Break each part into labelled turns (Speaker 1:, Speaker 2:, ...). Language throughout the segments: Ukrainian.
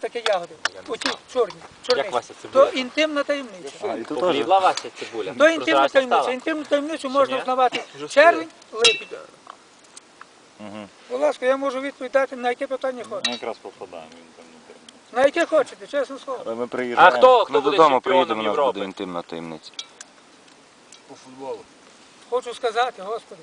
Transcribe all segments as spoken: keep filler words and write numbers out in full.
Speaker 1: отакі ягоди. Оті чорні,
Speaker 2: Як
Speaker 1: чорниці.
Speaker 2: Вася цибуля?
Speaker 1: То інтимна таємниця.
Speaker 3: А, і то теж.
Speaker 2: Поблідла Вася цибуля.
Speaker 1: То інтимна
Speaker 2: Прозрачна
Speaker 1: таємниця.
Speaker 2: стала.
Speaker 1: Інтимну таємницю можна
Speaker 2: ні?
Speaker 1: взнавати червень, липень.
Speaker 3: Угу.
Speaker 1: Будь ласка, я можу відповідати на яке питання
Speaker 3: Ми
Speaker 1: хочете.
Speaker 3: якраз попадаємо. Він там не темний.
Speaker 1: На яке хочете, чесне слово.
Speaker 3: Але ми
Speaker 2: А
Speaker 3: приїжджаємо.
Speaker 2: хто, хто
Speaker 4: Ми
Speaker 2: буде
Speaker 4: додому
Speaker 2: чемпіоном
Speaker 4: приїдемо, у нас
Speaker 2: Європи?
Speaker 4: буде інтимна таємниця.
Speaker 5: По футболу.
Speaker 1: Хочу сказати, Господи.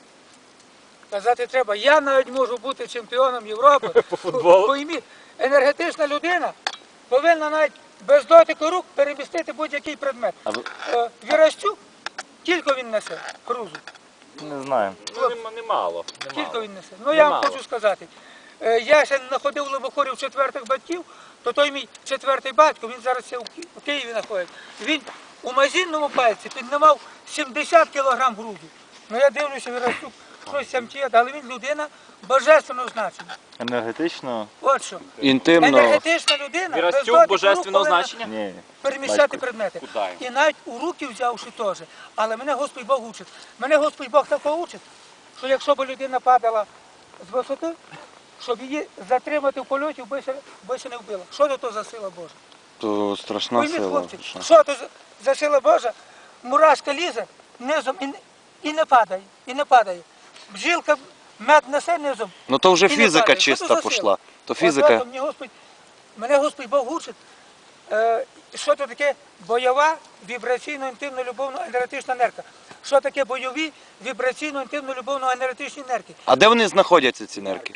Speaker 1: Казати треба, я навіть можу бути чемпіоном Європи.
Speaker 2: По футболу?
Speaker 1: Пойміть, енергетична людина повинна навіть без дотику рук перемістити будь-який предмет.
Speaker 4: А ви-
Speaker 1: Е, Вірастюк, кілько він несе крузу?
Speaker 3: Не знаю.
Speaker 2: Ну, нема- немало.
Speaker 1: Кілько
Speaker 2: немало.
Speaker 1: він несе? Ну я вам
Speaker 2: Немало.
Speaker 1: хочу сказати. Е, Я ще знаходив в Лобохорів четвертих батьків, то той мій четвертий батько, він зараз ще у Ки- у Києві знаходиться. Він у мазінному пальці піднімав сімдесят кілограм грузу. Ну я дивлюся, Вірастюк щось там тіє, але він людина божественного значення.
Speaker 3: Енергетично?
Speaker 1: От що.
Speaker 4: Інтимно.
Speaker 1: Енергетична людина, без
Speaker 2: Вірастюк
Speaker 1: дотику
Speaker 2: божественного
Speaker 1: рук повинна
Speaker 2: значення?
Speaker 3: Ні.
Speaker 1: переміщати
Speaker 3: Батько.
Speaker 1: предмети.
Speaker 2: Куда йому?
Speaker 1: І навіть у руки взявши теж. Але мене Господь Бог учить. Мене Господь Бог такого учить, що якщо б людина падала з висоти, щоб її затримати в польоті, би ще, би ще не вбила. Що то, то за сила Божа?
Speaker 4: То страшна
Speaker 1: Пойміть,
Speaker 4: сила.
Speaker 1: хлопці,
Speaker 4: Що?
Speaker 1: що то за- за сила Божа? Мурашка лізе низом і, не- і не падає, і не падає. Бджілка мед несе низом.
Speaker 4: Ну то вже
Speaker 1: і не
Speaker 4: фізика
Speaker 1: падає. Що то
Speaker 4: чиста
Speaker 1: за
Speaker 4: пішла.
Speaker 1: сила?
Speaker 4: То
Speaker 1: От
Speaker 4: фізика.
Speaker 1: ото мені Господь, мене Господь Бог учить, е, що то таке бойова вібраційно-інтимно-любовно-енергетична нерка. Що таке бойові вібраційно-інтимно-любовно-енергетичні нерки?
Speaker 4: А де вони знаходяться, ці нерки?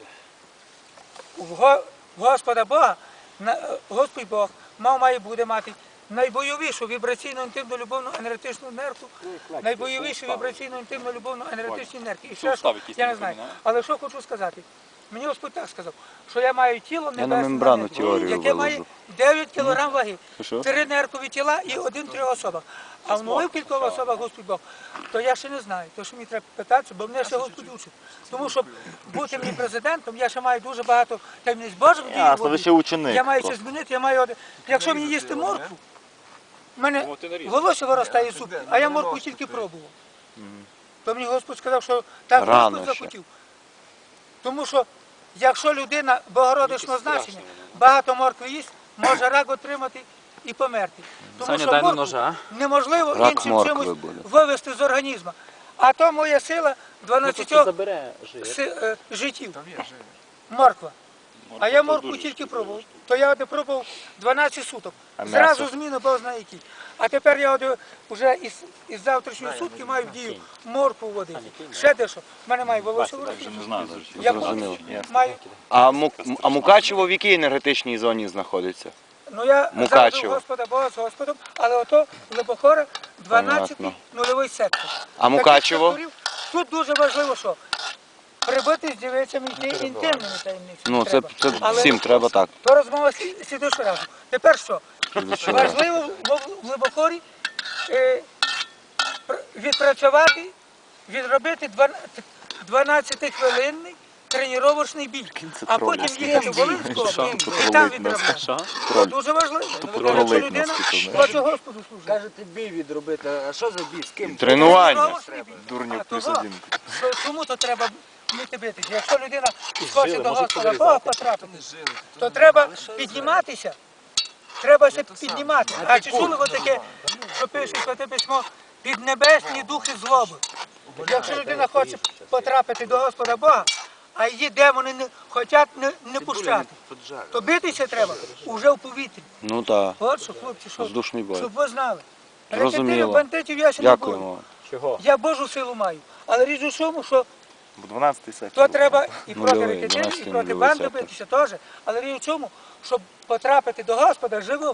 Speaker 1: В Го- в Господа Бога, на- е, Господь Бог мав має буде мати найбойовішу вібраційно-інтимно-любовно-енергетичну нерку, найбойовіші вібраційно-інтимно-любовно-енергетичні нерки. І ще що, я не знаю. Але що хочу сказати? Мені Господь так сказав, що я маю тіло
Speaker 4: Я на
Speaker 1: небесне,
Speaker 4: мембрану
Speaker 1: небесне,
Speaker 4: теорію
Speaker 1: яке має
Speaker 4: виложу.
Speaker 1: дев'ять кілограм ваги,
Speaker 4: Що?
Speaker 1: три неркові тіла і один в трьох особах. А в нових кількох особах Господь Бог, то я ще не знаю, то що мені треба питатися, бо мене ще Господь учить. Тому щоб бути мені президентом, я ще маю дуже багато таємниць Божих дій.
Speaker 3: Ясно, ви ще ученик.
Speaker 1: Я маю ще
Speaker 3: просто.
Speaker 1: змінити, я маю, один- якщо мені їсти моркву, в мене
Speaker 2: Ну, ти нарізав.
Speaker 1: волосся виростає зуб, а я моркву тільки пробував. То мені Господь сказав, що так
Speaker 4: Рано
Speaker 1: Господь
Speaker 4: ще.
Speaker 1: захотів. Тому що якщо людина богородичного значення, багато моркви їсть, може рак отримати і померти. Тому
Speaker 2: Саня,
Speaker 1: що
Speaker 2: дай на
Speaker 1: моркву
Speaker 2: ножа.
Speaker 1: неможливо
Speaker 4: Рак
Speaker 1: іншим
Speaker 4: моркви
Speaker 1: чимось
Speaker 4: буде.
Speaker 1: вивести з організму. А то моя сила
Speaker 2: Ну,
Speaker 1: дванадцять
Speaker 2: забере жир.
Speaker 1: си- е, життів.
Speaker 5: Там є жир.
Speaker 1: Морква. А я
Speaker 3: то
Speaker 1: моркву
Speaker 3: дуже
Speaker 1: тільки пробував. То я один пробував дванадцять суток.
Speaker 3: А
Speaker 1: Зразу
Speaker 3: м'ясо?
Speaker 1: зміни Бог знає які. А тепер я от вже із, із завтрашньої сутки маю в дію моркву водити. Ще дещо. В мене має волосся в
Speaker 3: Вже не знаю.
Speaker 1: Я
Speaker 4: Зрозуміло.
Speaker 1: маю.
Speaker 4: А, Му... а Мукачево в якій енергетичній зоні знаходиться?
Speaker 1: Ну я
Speaker 4: Мукачево.
Speaker 1: завжди Господа Бога з Господом, але ото Лебохора дванадцятий
Speaker 4: Понятно.
Speaker 1: нульовий сектор.
Speaker 4: А Мукачево?
Speaker 1: Таких секторів Тут дуже важливо, що прибити з дівицями йти інтимними таємницями.
Speaker 4: Ну це,
Speaker 1: треба.
Speaker 4: це
Speaker 1: Але
Speaker 4: всім треба так.
Speaker 1: То розмова слі- слідуючого разу. Тепер що? Важливо в- в Глибокорі е, пр- відпрацювати, відробити дванадцятихвилинний тренувальний бій, а потім їхати в Волинську область і там відробляти.
Speaker 2: Що?
Speaker 1: Це дуже важливо. Якщо
Speaker 4: тролить
Speaker 1: людина
Speaker 4: наскільки
Speaker 1: хоче Господу служити.
Speaker 5: Кажете, бій відробити. А що за бій? З ким?
Speaker 4: Тренування.
Speaker 1: Тренувальний бій.
Speaker 4: Дурнів
Speaker 1: А
Speaker 4: плюс
Speaker 1: того,
Speaker 4: один.
Speaker 1: що- Чому то треба вміти битися? Якщо людина хоче
Speaker 2: жили,
Speaker 1: до
Speaker 2: може
Speaker 1: Господа
Speaker 2: порізати.
Speaker 1: Бога потрапити, то треба підніматися. Треба ще піднімати. А чи чули ви таке, що пише Святе Письмо, піднебесні духи злоби? Якщо людина хоче потрапити до Господа Бога, а її демони не хочуть не, не пущати, то битися треба уже в повітрі.
Speaker 4: Ну так.
Speaker 1: От що, хлопці, що,
Speaker 4: Воздушний бой.
Speaker 1: щоб ви знали.
Speaker 4: Зрозуміло.
Speaker 1: Рекетирів, бандитів я ще не
Speaker 4: Дякуємо
Speaker 1: буду.
Speaker 4: вам.
Speaker 2: Чого?
Speaker 1: Я Божу силу маю. Але річ у тому, що
Speaker 3: дванадцятий сектор.
Speaker 1: то треба і проти
Speaker 4: Нульовий,
Speaker 1: рекетирів, і
Speaker 4: дванадцятий
Speaker 1: проти
Speaker 4: нульовий
Speaker 1: банди
Speaker 4: сектор.
Speaker 1: битися теж. Але річ у чому, щоб потрапити до Господа живим,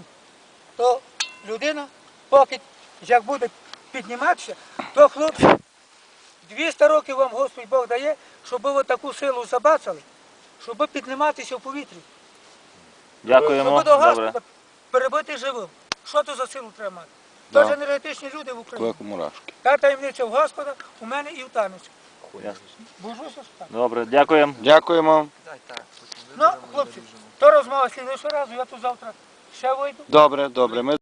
Speaker 1: то людина, поки як буде підніматися, то хлопці, двісті років вам Господь Бог дає, щоб ви таку силу забацали, щоб підніматися в повітрі.
Speaker 3: Дякуємо.
Speaker 1: Щоб до
Speaker 3: Добре.
Speaker 1: Господа перебити живим. Що то за силу треба мати?
Speaker 4: Да.
Speaker 1: Тож енергетичні люди в Україні.
Speaker 4: Як мурашки.
Speaker 1: Та таємниця в Господа у мене і в танець.
Speaker 3: Ясно.
Speaker 1: Божуся що так.
Speaker 3: Добре, дякуємо.
Speaker 4: Дякуємо.
Speaker 5: Дай так.
Speaker 1: Ну, хлопці, то розмова слідуючого разу, я тут завтра ще вийду.
Speaker 4: Добре, добре. Ми